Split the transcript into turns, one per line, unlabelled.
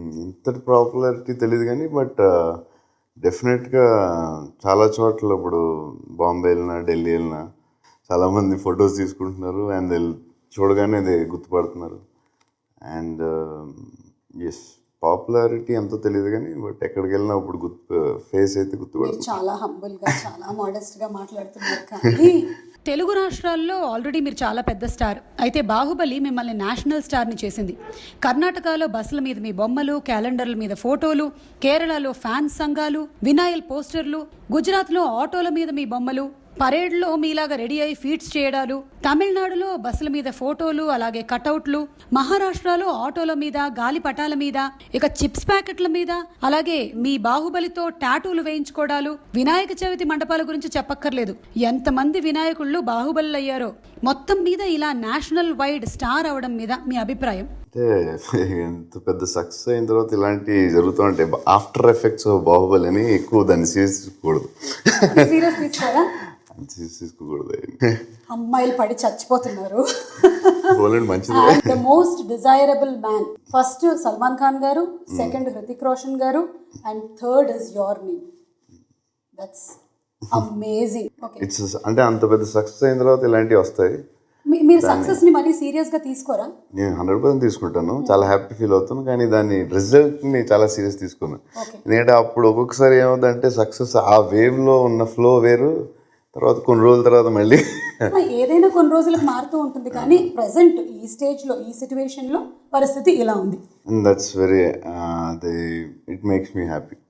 ఇంతటి పాపులారిటీ తెలియదు కానీ బట్ డెఫినెట్గా చాలా చోట్ల ఇప్పుడు బాంబే వెళ్ళినా ఢిల్లీ వెళ్ళినా చాలామంది ఫొటోస్ తీసుకుంటున్నారు అండ్ చూడగానే అది గుర్తుపడుతున్నారు. అండ్ ఎస్ పాపులారిటీ ఎంతో తెలియదు కానీ బట్ ఎక్కడికి వెళ్ళినా ఇప్పుడు ఫేస్ అయితే గుర్తుపడుతుంది.
చాలా హంబుల్గా చాలా మోడెస్ట్గా మాట్లాడుతున్నారు కానీ
తెలుగు రాష్ట్రాల్లో ఆల్రెడీ మీరు చాలా పెద్ద స్టార్. అయితే బాహుబలి మిమ్మల్ని నేషనల్ స్టార్ని చేసింది. కర్ణాటకలో బస్సుల మీద మీ బొమ్మలు, క్యాలెండర్ల మీద ఫోటోలు, కేరళలో ఫ్యాన్స్ సంఘాలు, వినాయల్ పోస్టర్లు, గుజరాత్లో ఆటోల మీద మీ బొమ్మలు, పరేడ్లో మీలాగా రెడీ అయి ఫీట్స్ చేయడాలు, తమిళనాడులో బస్సుల మీద ఫోటోలు అలాగే కటౌట్లు, మహారాష్ట్రలో ఆటోల మీద, గాలిపటాల మీద, ఇక చిప్స్ ప్యాకెట్ల మీద, అలాగే మీ బాహుబలితో టాటూలు వేయించుకోవడాలు, వినాయక చవితి మండపాల గురించి చెప్పక్కర్లేదు. ఎంతమంది వినాయకుళ్ళు బాహుబలి అయ్యారో. మొత్తం మీద ఇలా నేషనల్ వైడ్ స్టార్ అవడం మీద మీ అభిప్రాయం?
అంటే ఎంత పెద్ద సక్సెస్ అయిన తర్వాత ఇలాంటివి జరుగుతూ ఉంటాయి. ఆఫ్టర్ ఎఫెక్ట్స్ ఆఫ్ బాహుబలి అని ఎక్కువ దాన్ని సీరియస్ తీసుకోకూడదు.
సీరియస్ తీసుకోరా?
తీసుకోకూడదు.
అమ్మాయిలు పడి చచ్చిపోతున్నారు.
మంచిది.
The most desirable man first Salman Khan garu, second Hrithik Roshan garu, and third is your name. That's amazing.
It's అంటే అంత పెద్ద సక్సెస్ అయిన తర్వాత ఇలాంటివి వస్తాయి.
మీరు సక్సెస్ ని మరీ సీరియస్ గా తీసుకోరా?
నేను 100% తీసుకుంటాను, చాలా హ్యాపీ ఫీల్ అవుతాను. కానీ దాని రిజల్ట్ ని చాలా సీరియస్ తీసుకున్నాను. ఎందుకంటే అప్పుడు ఒక్కొక్కసారి ఏమవుతుందంటే సక్సెస్ ఆ వేవ్ లో ఉన్న ఫ్లో వేరు, తర్వాత కొన్ని రోజుల తర్వాత మళ్ళీ
ఏదైనా కొన్ని రోజులకు మారుతూ ఉంటుంది. కానీ ప్రెసెంట్ ఈ స్టేజ్ లో ఈ సిచ్యువేషన్ లో పరిస్థితి ఇలా ఉంది.
That's very it makes me happy.